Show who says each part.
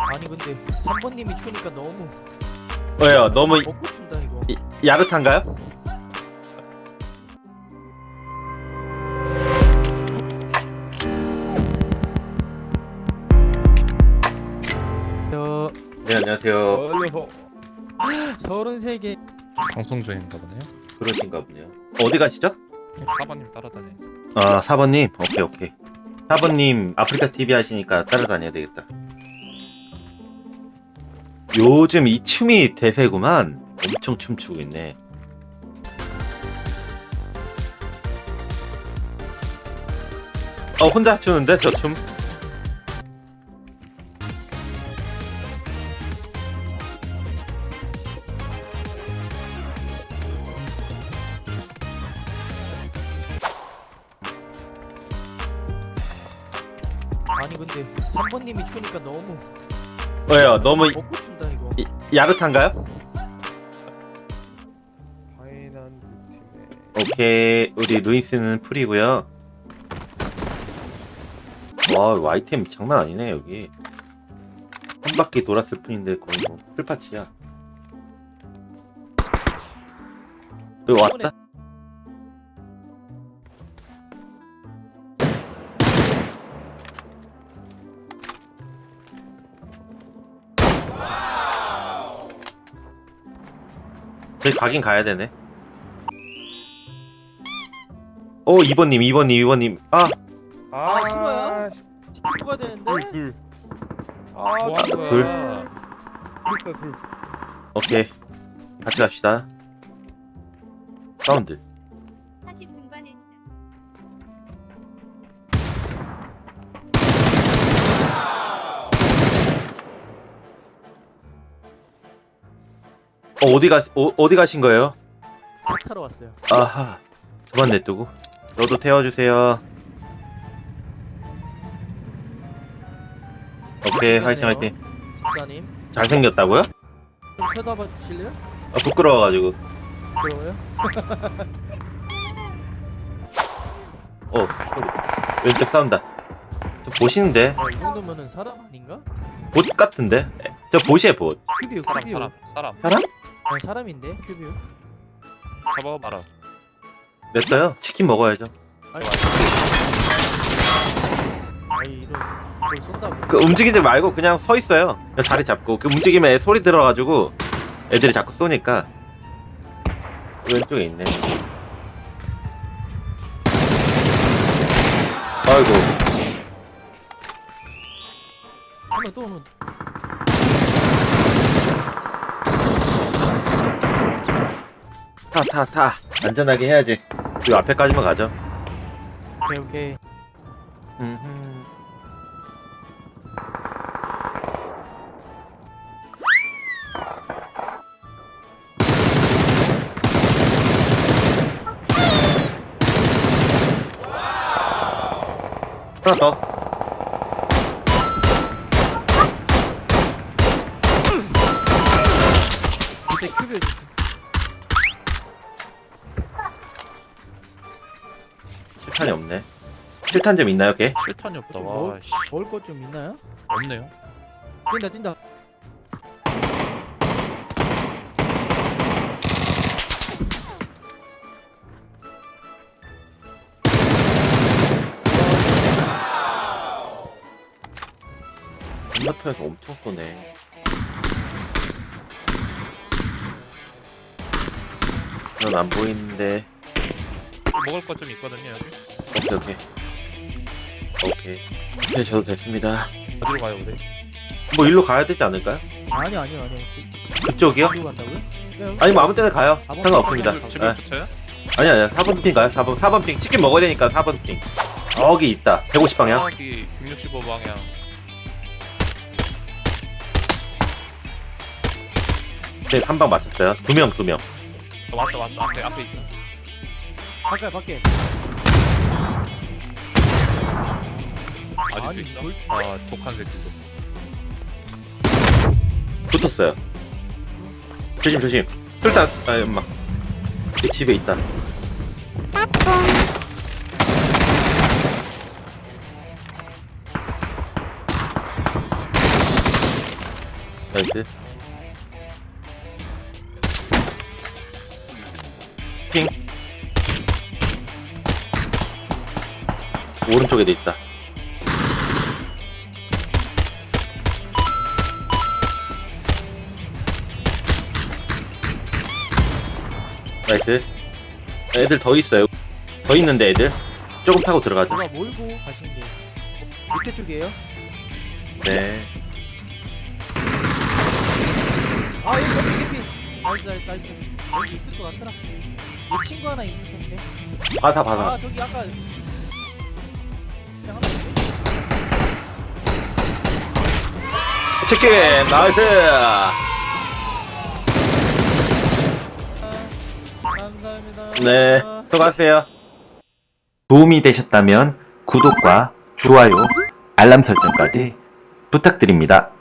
Speaker 1: 아니 근데 3번님이 추니까 너무
Speaker 2: 왜요? 너무
Speaker 1: 먹고 춘다 이거.
Speaker 2: 야릇한가요?
Speaker 1: 저
Speaker 2: 네, 안녕하세요.
Speaker 1: 33개
Speaker 3: 방송 중인가 보네요.
Speaker 2: 그러신가 보네요. 어디 가시죠?
Speaker 3: 4번님 따라다녀.
Speaker 2: 아, 4번님. 오케이. 4번님 아프리카 TV 하시니까 따라다녀야 되겠다. 요즘 이 춤이 대세구만. 엄청 춤추고 있네. 혼자 추는데 저 춤?
Speaker 1: 아니 근데 3번님이 추니까 너무
Speaker 2: 왜요? 너무
Speaker 1: 먹고 춘다 이거.
Speaker 2: 야릇한가요?
Speaker 4: 파이난드 팀의
Speaker 2: 오케이. 우리 루이스는 풀이고요. 와, 아이템 장난 아니네 여기. 한 바퀴 돌았을 뿐인데 거의 뭐 풀파츠야. 여기 왔다. 저희 가긴 가야 되네. 2번님.
Speaker 1: 아, 싫어요? 찍어야 되는데.
Speaker 4: 둘.
Speaker 3: 뭐 하는 거야?
Speaker 2: 둘.
Speaker 4: 둘.
Speaker 2: 오케이. 같이 갑시다. 사운드.
Speaker 5: 40 중반의 시작.
Speaker 2: 어디 가신 거예요?
Speaker 1: 차 타러 왔어요.
Speaker 2: 아하. 저만 냅두고. 저도 태워주세요. 오케이, 화이팅.
Speaker 1: 집사님
Speaker 2: 잘생겼다고요?
Speaker 1: 좀 쳐다봐 주실래요?
Speaker 2: 부끄러워가지고.
Speaker 1: 그러요?
Speaker 2: 소리. 왼쪽 싸운다. 저 보시는데?
Speaker 1: 이 정도면은 사람 아닌가?
Speaker 2: 봇 같은데? 저 봇이에요, 봇.
Speaker 1: 큐비오.
Speaker 3: 사람.
Speaker 2: 사람?
Speaker 1: 아니, 사람인데 큐비오.
Speaker 3: 잡아 말아.
Speaker 2: 냈어요? 치킨 먹어야죠.
Speaker 1: 아니 이걸 쏜다고.
Speaker 2: 그 움직이지 말고 그냥 서 있어요. 그냥 자리 잡고. 그 움직이면 애 소리 들어가지고 애들이 자꾸 쏘니까. 왼쪽에 있네. 아이고.
Speaker 1: 한번 또 오면
Speaker 2: 타. 안전하게 해야지. 이 앞에까지만 가죠.
Speaker 1: 오케이.
Speaker 2: 하나 더.
Speaker 1: 밑에 큐비오.
Speaker 2: 실탄이 없네. 실탄 좀 있나요, 걔?
Speaker 3: 실탄이 없다.
Speaker 1: 뭐?
Speaker 3: 와, 씨.
Speaker 1: 먹을 것 좀 있나요?
Speaker 3: 없네요.
Speaker 1: 뛴다.
Speaker 2: 건너편에서 엄청 쏘네. 넌 안 보이는데.
Speaker 3: 먹을 것 좀 있거든요 여기.
Speaker 2: 오케이, 저도 됐습니다.
Speaker 3: 어디로 가요 우리?
Speaker 2: 뭐 일로 가야 되지 않을까요?
Speaker 1: 아니요.
Speaker 2: 그쪽이요?
Speaker 1: 어디로 간다고요? 네,
Speaker 2: 아니 뭐 아무 때나 가요. 상관없습니다.
Speaker 3: 집에
Speaker 2: 네.
Speaker 3: 붙여요?
Speaker 2: 아니야. 4번 핑 가요. 4번 핑. 치킨 먹어야 되니까 4번 핑. 여기 있다. 150방향.
Speaker 3: 여기 165방향.
Speaker 2: 네, 한 방 맞췄어요. 두 명.
Speaker 3: 왔다. 앞에 있어.
Speaker 1: 밖에.
Speaker 3: 아직도
Speaker 1: 아니,
Speaker 3: 있어?
Speaker 1: 뭘-
Speaker 3: 아, 독한 새끼도.
Speaker 2: 붙었어요. 조심. 술탄. 엄마. 이 집에 있다. 나이스. 핑. 오른쪽에도 있다. 나이스. 애들 더 있어요. 더 있는데 애들 조금 타고 들어가죠.
Speaker 1: 누가 몰고 가시는 게 밑에 쪽이에요?
Speaker 2: 네.
Speaker 1: 아 여기 나이스 나이스 나이스. 여기 있을 것 같더라. 내 친구 하나 있을 텐데.
Speaker 2: 바다 바다.
Speaker 1: 아 저기 아까 그냥 하나 있네.
Speaker 2: 치킨 나이스.
Speaker 1: 감사합니다.
Speaker 2: 네. 수고하세요. 도움이 되셨다면 구독과 좋아요, 알람 설정까지 부탁드립니다.